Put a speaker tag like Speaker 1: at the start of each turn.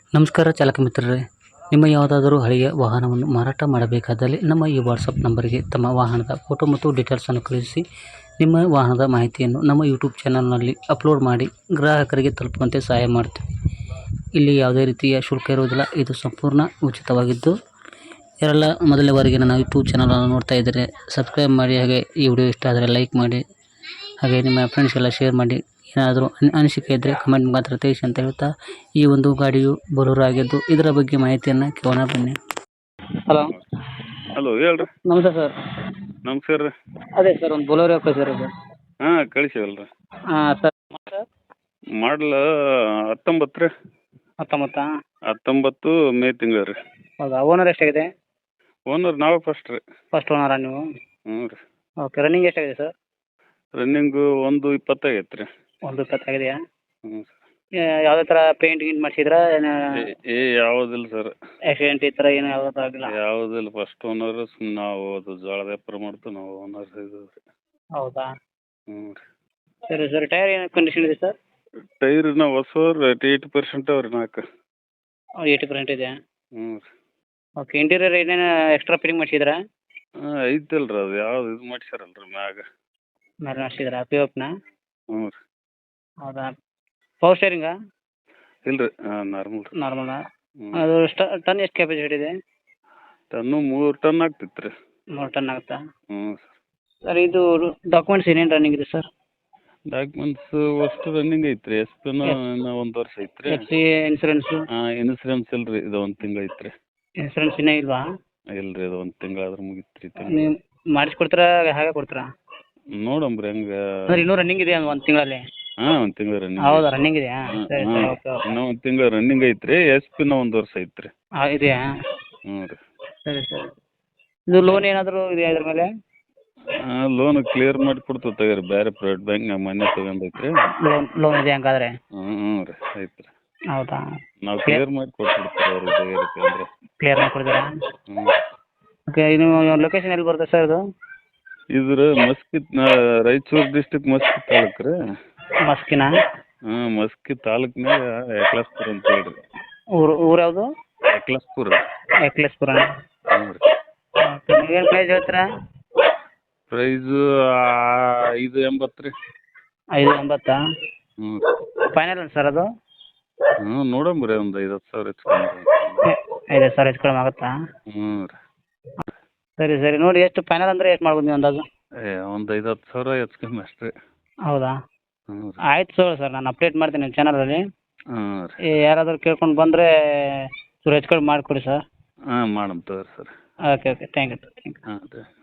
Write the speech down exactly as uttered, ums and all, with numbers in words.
Speaker 1: ನಮಸ್ಕಾರ ಚಾಲಕ ಮಿತ್ರರೇ, ನಿಮ್ಮ ಯಾವುದಾದರೂ ಹಳೆಯ ವಾಹನವನ್ನು ಮಾರಾಟ ಮಾಡಬೇಕಾದಲ್ಲಿ ನಮ್ಮ ಈ ವಾಟ್ಸಪ್ ನಂಬರಿಗೆ ತಮ್ಮ ವಾಹನದ ಫೋಟೋ ಮತ್ತು ಡೀಟೇಲ್ಸನ್ನು ಕಳುಹಿಸಿ. ನಿಮ್ಮ ವಾಹನದ ಮಾಹಿತಿಯನ್ನು ನಮ್ಮ ಯೂಟ್ಯೂಬ್ ಚಾನಲ್ನಲ್ಲಿ ಅಪ್ಲೋಡ್ ಮಾಡಿ ಗ್ರಾಹಕರಿಗೆ ತಲುಪುವಂತೆ ಸಹಾಯ ಮಾಡ್ತೀವಿ. ಇಲ್ಲಿ ಯಾವುದೇ ರೀತಿಯ ಶುಲ್ಕ ಇರುವುದಿಲ್ಲ. ಇದು ಸಂಪೂರ್ಣ ಉಚಿತವಾಗಿದ್ದು, ಯಾರೆಲ್ಲ ಮೊದಲನೇ ಬಾರಿಗೆ ನನ್ನ ಯೂಟ್ಯೂಬ್ ಚಾನಲನ್ನು ನೋಡ್ತಾ ಇದ್ದರೆ ಸಬ್ಸ್ಕ್ರೈಬ್ ಮಾಡಿ, ಹಾಗೆ ಈ ವಿಡಿಯೋ ಇಷ್ಟ ಆದರೆ ಲೈಕ್ ಮಾಡಿ, ಹಾಗೆ ನಿಮ್ಮ ಫ್ರೆಂಡ್ಸ್ಗೆಲ್ಲ ಶೇರ್ ಮಾಡಿ. ಏನಾದರೂ ಅನಿಸಿಕೆ ಇದ್ದರೆ ಕಮೆಂಟ್ ಮಾತ್ರ ತಿಳಿಸಿ ಅಂತ ಹೇಳ್ತಾ, ಈ ಒಂದು ಗಾಡಿಯು ಬೊಲೊರೋ ಆಗಿದ್ದು ಇದರ ಬಗ್ಗೆ ಮಾಹಿತಿಯನ್ನು ಕೇಳೋಣ ಬನ್ನಿ. ಹಲೋ
Speaker 2: ಹಲೋ ಹೇಳ್ರಿ.
Speaker 1: ನಮಸ್ತೆ ಸರ್.
Speaker 2: ನಮಸ್ಕಾರ ರೀ.
Speaker 1: ಅದೇ ಸರ್, ಒಂದು ಬೊಲೊರೋ ಕಳಿಸಿರಿ ಸರ್.
Speaker 2: ಹಾಂ ಕಳಿಸಿವಲ್ರಿ.
Speaker 1: ಹಾಂ ಸರ್.
Speaker 2: ಮಾಡಲ ಹತ್ತೊಂಬತ್ತು ರೀ.
Speaker 1: ಹತ್ತೊಂಬತ್ತಾ?
Speaker 2: ಹತ್ತೊಂಬತ್ತು ಮೇ ತಿಂಗಳು ರೀ.
Speaker 1: ಹೌದಾ? ಓನರ್ ಎಷ್ಟಾಗಿದೆ?
Speaker 2: ಓನರ್ ನಾವೇ ಫಸ್ಟ್ ರೀ.
Speaker 1: ಫಸ್ಟ್ ಓನರಾ ನೀವು?
Speaker 2: ಹ್ಞೂ ರೀ.
Speaker 1: ಓಕೆ. ರನ್ನಿಂಗ್ ಎಷ್ಟಾಗಿದೆ ಸರ್?
Speaker 2: ರನ್ನಿಂಗು ಒಂದು ಇಪ್ಪತ್ತಾಗೈತೆ ರೀ.
Speaker 1: ಒಂದು ಇಪ್ಪತ್ತಾಗಿದೆಯಾ?
Speaker 2: ಹ್ಞೂ ಸರ್.
Speaker 1: ಯಾವುದೇ ಥರ ಪೇಂಟ್ ಗೀಂಟ್ ಮಾಡಿಸಿದ್ರಾ? ಏನು
Speaker 2: ಏ ಯಾವುದಿಲ್ಲ ಸರ್.
Speaker 1: ಆಕ್ಸಿಡೆಂಟ್ ಈ ಥರ ಏನು ಯಾವುದೂ ಆಗಿಲ್ಲ?
Speaker 2: ಯಾವುದಿಲ್ಲ. First owner. ಸುಮ್ಮನೆ ನಾವು ಅದು ಜೋಳದ ವ್ಯಾಪಾರ ಮಾಡ್ತೀವಿ, ನಾವು ಓನರ್ ಇದು ರೀ.
Speaker 1: ಹೌದಾ?
Speaker 2: ಹ್ಞೂ ರೀ.
Speaker 1: ಸರಿ ಸರ್. ಟೈರ್ ಏನು ಕಂಡೀಷನ್ ಇದೆ ಸರ್?
Speaker 2: ಟೈರ್ ನಾವು ಹೊಸವ್ರು ಏಯ್ಟಿ ಪರ್ಸೆಂಟ್ ಅವ್ರಿ ನಾಲ್ಕು.
Speaker 1: ಏಯ್ಟಿ ಪರ್ಸೆಂಟ್ ಇದೆಯಾ?
Speaker 2: ಹ್ಞೂ ರೀ.
Speaker 1: ಓಕೆ. ಇಂಟೀರಿಯರ್ ಏನೇನು ಎಕ್ಸ್ಟ್ರಾ ಫಿಟ್ಟಿಂಗ್ ಮಾಡಿಸಿದ್ರಾ?
Speaker 2: ಹಾಂ ಐತಲ್ಲ ರೀ. ಅದು ಯಾವ್ದು ಇದು ಮಾಡ್ಸ್ಯಾರಲ್ಲ ರೀ ಮ್ಯಾಗ.
Speaker 1: ಮೇಲೆ ಮಾಡಿಸಿದ್ರಾ ಪಿ ಓ ಪಿನ?
Speaker 2: ಹ್ಞೂ ರೀ.
Speaker 1: ಹೌದಾ? ಪವರ್ ಸ್ಟೇರಿಂಗಾ?
Speaker 2: ಇಲ್ಲ ರೀ. ಹಾಂ ನಾರ್ಮಲ್ ರೀ.
Speaker 1: ನಾರ್ಮಲಾ?
Speaker 2: ಹ್ಞೂ.
Speaker 1: ಅದು ಟ ಟನ್ ಎಷ್ಟು ಕೆಪಾಸಿಟಿ ಇದೆ?
Speaker 2: ಟನ್ನು ಮೂರು ಟನ್ ಆಗ್ತಿತ್ತು ರೀ.
Speaker 1: ಮೂರು ಟನ್ ಆಗುತ್ತಾ?
Speaker 2: ಹ್ಞೂ ಸರ್.
Speaker 1: ಸರ್, ಇದು ಡಾಕ್ಯುಮೆಂಟ್ಸ್ ಏನೇನು ರನ್ನಿಂಗ್ ಇದೆ ಸರ್?
Speaker 2: ಡಾಕ್ಯುಮೆಂಟ್ಸು ಅಷ್ಟು ರನ್ನಿಂಗ್ ಐತೆ ರೀ. ಎಸ್ ಪಿನ ಇನ್ನೂ ಒಂದು ವರ್ಷ ಐತೆ ರೀ.
Speaker 1: F C insurance?
Speaker 2: ಹಾಂ ಇನ್ಸೂರೆನ್ಸ್ ಇಲ್ಲ ರೀ. ಇದು ಒಂದು ತಿಂಗಳು ಐತೆ ರೀ.
Speaker 1: ಇನ್ಸೂರೆನ್ಸ್ ಇನ್ನೂ ಇಲ್ವಾ?
Speaker 2: ಇಲ್ಲ ರೀ. ಅದು ಒಂದು ತಿಂಗಳಾದ್ರೆ ಮುಗೀತು ರೀ.
Speaker 1: ನೀವು ಮಾಡಿಸ್ಕೊಡ್ತೀರಾ ಹಾಗೆ ಕೊಡ್ತೀರಾ?
Speaker 2: ನೋಡಂಬ್ರಿ ಹೆಂಗೆ.
Speaker 1: ಅಂದ್ರೆ ಇನ್ನೂ ರನ್ನಿಂಗ್ ಇದೆಯಾ ಒಂದು ತಿಂಗಳಲ್ಲಿ?
Speaker 2: ಹಾಂ ಒಂದು ತಿಂಗಳು ರನ್ನಿಂಗ್.
Speaker 1: ಹೌದಾ? ರನ್ನಿಂಗ್ ಇದೆಯಾ?
Speaker 2: ಹಾಂ
Speaker 1: ಸರಿ
Speaker 2: ಹಾಂ.
Speaker 1: ಸರಿ. Okay okay.
Speaker 2: ಇನ್ನೂ ಒಂದು ತಿಂಗಳು ರನ್ನಿಂಗ್ ಐತೆ ರೀ. ಎಸ್ ಪಿನ ಒಂದು ವರ್ಷ ಐತೆ ರೀ.
Speaker 1: ಹಾಂ ಇದೆಯಾ?
Speaker 2: ಹ್ಞೂ ರೀ.
Speaker 1: ಸರಿ ಸರಿ. ಇದು ಲೋನ್ ಏನಾದರೂ ಇದೆಯಾ ಇದ್ರ ಮೇಲೆ?
Speaker 2: ಹಾಂ ಲೋನ್ ಕ್ಲಿಯರ್ ಮಾಡಿ ಕೊಡ್ತೀವಿ ತಗೋರಿ. ಬೇರೆ ಪ್ರೈವೇಟ್ ಬ್ಯಾಂಕ್ನಾಗ ಮೊನ್ನೆ ತೊಗೊಂಡೈತೆ ರೀ.
Speaker 1: ಲೋನ್ ಲೋನ್ ಇದೆ ಹಂಗಾದ್ರೆ?
Speaker 2: ಹ್ಞೂ ಹ್ಞೂ ರೀ. ಐತೆ ರೀ.
Speaker 1: ಹೌದಾ?
Speaker 2: ನಾವು ಕ್ಲಿಯರ್ ಮಾಡಿ ಕೊಟ್ಬಿಡ್ತೀವಿ ಅವ್ರಿಗೆ ಬೇರೆ ಅಂದರೆ.
Speaker 1: ಕ್ಲಿಯರ್ ಮಾಡಿ ಕೊಡ್ತೀರಾ?
Speaker 2: ಹ್ಞೂ.
Speaker 1: ಓಕೆ. ಇದು ಲೊಕೇಶನ್ ಎಲ್ಲಿ ಬರುತ್ತೆ ಸರ್ ಇದು?
Speaker 2: ಇದ್ರ ಮಸ್ಕಿತ್ ರಾಯಚೂರು ಡಿಸ್ಟಿಕ್ ಮಸ್ಕಿ ತಾಲೂಕು ರೀ.
Speaker 1: ಮಸ್ಕಿನ?
Speaker 2: ಹಾಂ ಮಸ್ಕಿ ತಾಲೂಕ್ನಾಗ ಎಕ್ಲಾಸ್ಪುರ ಅಂತ ಹೇಳ್ರಿ.
Speaker 1: ಊರು ಊರು ಯಾವುದು?
Speaker 2: ಎಕ್ಲಾಸ್ಪುರ.
Speaker 1: ಎಕ್ಲೇಶ್ಪುರ?
Speaker 2: ಹ್ಞೂ ರೀ.
Speaker 1: ಓಕೆ. ನೀವೇನು ಪ್ರೈಸ್ ಹೇಳ್ತೀರಾ?
Speaker 2: ಪ್ರೈಸು ಐದು ಎಂಬತ್ತು ರೀ.
Speaker 1: ಐದು ಎಂಬತ್ತಾ?
Speaker 2: ಹ್ಞೂ ರೀ.
Speaker 1: ಫೈನಲ್ ಸರ್ ಅದು?
Speaker 2: ಹ್ಞೂ ನೋಡಂಬ್ರಿ. ಒಂದು ಐದು ಹತ್ತು ಸಾವಿರ ಹೆಚ್ಚು
Speaker 1: ಐದು ಸಾವಿರ ಹೆಚ್ಚು ಕಡಿಮೆ ಆಗುತ್ತಾ?
Speaker 2: ಹ್ಞೂ ರೀ.
Speaker 1: ಸರಿ ಸರಿ. ನೋಡಿ ಎಷ್ಟು ಫೈನಲ್ ಅಂದರೆ ಎಷ್ಟು ಮಾಡ್ಬೋದು ನೀವು ಅಂದಾಜು?
Speaker 2: ಏ ಒಂದು ಐದು ಹತ್ತು ಸಾವಿರ ಹೆಚ್ಚು ಕಮ್ಮಿ ಅಷ್ಟೇ.
Speaker 1: ಹೌದಾ?
Speaker 2: ಹ್ಞೂ ರೀ.
Speaker 1: ಆಯ್ತು ಸರ್ ಸರ್ ನಾನು ಅಪ್ಡೇಟ್ ಮಾಡ್ತೀನಿ ನಿಮ್ಮ ಚಾನಲಲ್ಲಿ.
Speaker 2: ಹ್ಞೂ ರೀ.
Speaker 1: ಯಾರಾದರೂ ಕೇಳ್ಕೊಂಡು ಬಂದರೆ ಚೂರು ಹೆಚ್ಚು ಕಡಿಮೆ ಮಾಡಿಕೊಡಿ ಸರ್.
Speaker 2: ಹಾಂ ಮಾಡಮ್ ತಗೋರಿ sir.
Speaker 1: Okay okay. Thank you thank you.
Speaker 2: ಹಾಂ ರೀ.